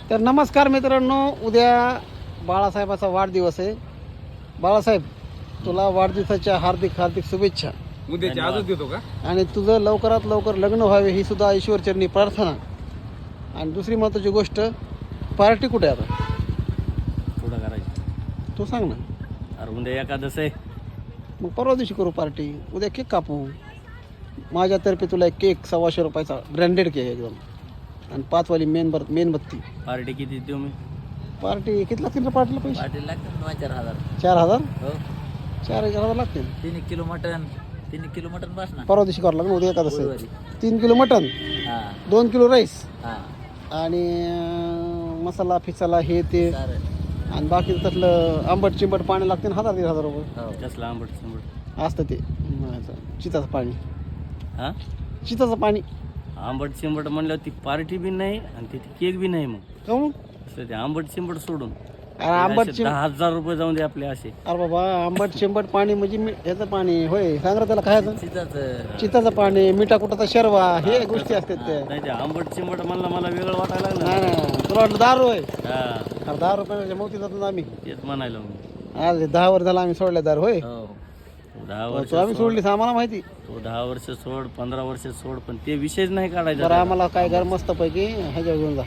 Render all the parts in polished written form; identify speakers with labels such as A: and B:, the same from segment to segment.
A: तर नमस्कार मित्रांनो, उद्या बाळासाहेबाचा वाढदिवस आहे. बाळासाहेब, तुला वाढदिवसाच्या हार्दिक हार्दिक शुभेच्छा.
B: उद्याची आजच देतो का?
A: आणि तुझं लवकरात लवकर लग्न व्हावे ही सुद्धा ईश्वरचरणी प्रार्थना. आणि दुसरी महत्त्वाची गोष्ट, पार्टी कुठे आहे आता
C: थोडं करायचं.
A: तू सांग ना.
C: अरे उद्या एकादश आहे.
A: मग परवा दिवशी करू पार्टी. उद्या केक कापू. माझ्यातर्फे तुला एक केक 125 रुपयाचा ब्रँडेड केक एकदम, आणि 5 वाली मेणबत्ती.
C: पार्टी किती देऊ मी?
A: पार्टी किती लागतील रे पार्टीला पैसे?
D: पाटील लागतात 4,000.
A: 4,000?
D: हो
A: 4,000 लागतील.
D: 3 किलो मटन 3 किलो मटन बस ना.
A: परवा दिवशी करावं लागेल. उद्या एकादश आहे.
D: गुरुवारी.
A: 3 किलो मटन,
D: हा
A: 2 किलो राईस,
D: हा
A: आणि मसाला फिसाला हे ते,
D: चालेल.
A: आणि बाकी त्यातलं आंबट चिंबट पाणी लागते 1,000-1,500 रुपये
D: हो
C: कसलं आंबट संबट?
A: असतं ते. चिताचं पाणी.
C: हा
A: चिताचं पाणी.
C: आंबट चिंबट म्हणल्यावर ती पार्टी बी नाही आणि ती केक बी नाही. मग
A: काहून?
C: असं ते आंबट चिंबट सोडून
A: अरे आंबट
C: 10,000 रुपये जाऊन दे आपले असे.
A: अरे बाबा, आंबट चिंबट पाणी म्हणजे ह्याचं पाणी होय? सांग रे त्याला खायचं.
D: चिताचं
A: चिताचं पाणी, मिठा कुटाचा शर्वा, हे गोष्टी असतात त्या.
C: नाही ते आंबट चिंबट म्हणलं मला वेगळं वाटायला लागलं.
A: नाही नाही, तुला वाटलं दारू आहे?
C: हा
A: अरे 10 रुपयाच्या मोती जातो आम्ही.
C: तेच म्हणायला मी.
A: आज 10 वर्ष झालं आम्ही सोडल्या दारू होय.
D: हो
C: 10 वर्ष
A: तो आम्ही सोडलीस आम्हाला माहिती.
C: तो 10 वर्ष सोड, 15 वर्ष सोड, पण ते विषयच नाही काढायचा.
A: बरं, आम्हाला काय घर मस्त पैकी ह्याच्यावर घेऊन जा.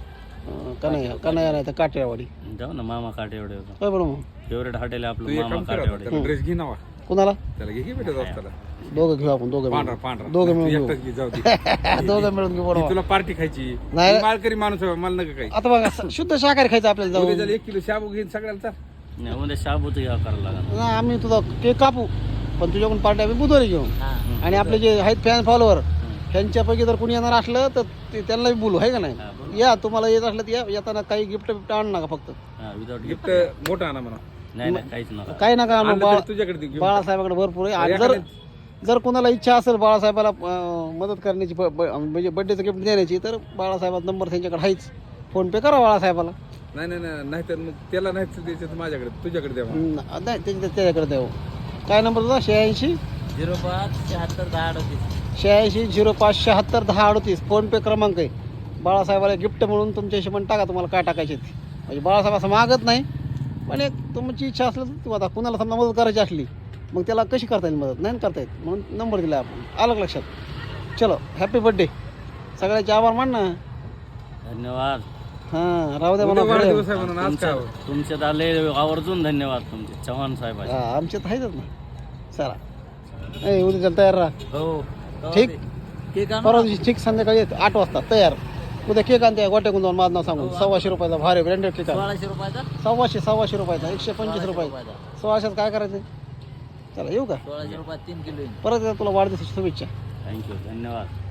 A: कन्हैया नाही तर काटेवाडी.
C: जाऊ ना मामा काटे एवढे
A: होय बरं. मग
C: फेवरेट हॉटेल आहे
B: तू
C: आपलं
B: एक
C: मामा
B: काम
C: काटे
B: कर,
C: एवढे.
B: त्याला ड्रेस घे नावा.
A: कुणाला?
B: त्याला घे की भेटत असताना
A: दोघं घेऊ आपण. दोघं
B: पांढरा
A: मिळून.
B: पांढरा
A: दोघं
B: तू
A: मिळून घेऊ.
B: एकटाच घे, जाऊ दे.
A: दोघं मिळून घेऊ.
B: ही
A: बरोबर.
B: तुला पार्टी खायची.
A: नाही.
B: मी मालकरी माणूस आहे, मला नका काही.
A: आता बघा, शुद्ध शाकाहारी खायचं आपल्याला
B: उद्या
A: जाऊन.
B: त्याला 1 किलो शाबू घेईन सगळ्याला तर.
C: नाही उद्या शाबूत घ्या करायला लागणार.
A: नाही, आम्ही तुझा केक कापू, पण तुझ्याकडून पार्टी आम्ही बुधवारी घेऊ.
D: हा
A: आणि आपले जे आहेत फॅन फॉलोअर, ह्यांच्यापैकी जर कोणी येणार असलं तर त्यांना बोलू, आहे का नाही?
C: हा, बरोबर.
A: या, तुम्हाला येत असलं तर या. येताना काही गिफ्ट बिफ्ट आणू नका फक्त.
C: हा विदाउट
B: गिफ्ट मोठा आणा म्हणा.
C: नाही नाही काहीच नका.
A: काही नका आणू.
B: आणलं तरी तुझ्याकडे दे घेऊन.
A: बाळासाहेबाकडे भरपूर आहे. आणि जर कोणाला इच्छा असेल बाळासाहेबाला मदत करण्याची, म्हणजे बड्डेचं गिफ्ट देण्याची, तर बाळासाहेबाचा नंबर त्यांच्याकडे आहेच. फोन पे करा बाळासाहेबाला.
B: नाही नाही नाही, नाहीतर मग त्याला नाही द्यायचं तर माझ्याकडे, तुझ्याकडे द्या म्हणा.
A: नाही, त्याच्याकडे द्यावं. काय नंबर तुझा? 86
D: 05 76 10 38.
A: 86 05 76 10 38 फोन पे क्रमांक आहे. बाळासाहेबाला गिफ्ट म्हणून तुमच्या हिशोबाने टाका, तुम्हाला काय टाकायचे ते. म्हणजे बाळासाहेब असं मागत नाही, पण एक तुमची इच्छा असली तर आता कुणाला समजा मदत करायची असली, मग त्याला कशी करता येईल मदत? नाही करता येत, म्हणून नंबर दिला आपण. आलं का लक्षात? चलो, हॅपी बर्थडे. सगळ्याचे आभार मान ना.
C: धन्यवाद.
A: हां, राहू द्या
B: उद्या
A: म्हणा.
B: वाढदिवस आहे म्हणून आज काय
C: तुमच्यात आले आवर्जून धन्यवाद तुमचे चव्हाण साहेबांचे.
A: आमच्यात आहेच ना. चला, ए उद्या चल, तयार राहा.
D: हो
A: ठीक.
D: केक आणू
A: परवा
D: ना.
A: दिवशी ठीक संध्याकाळी 8 वाजता तयार. उद्या केक आणते गोट्याकून जाऊन, माझं नाव सांगून. 125 रुपयाचा भारी ब्रँडेड केक आहे.
D: 1600 रुपयाचा.
A: 125 रुपयाचा. 125 रुपये. 1600 काय करायचं? चला, येऊ का?
D: 1600 रुपयात 3 किलो येईल.
A: परत एकदा तुला वाढदिवसाची शुभेच्छा.
C: थँक्यू धन्यवाद.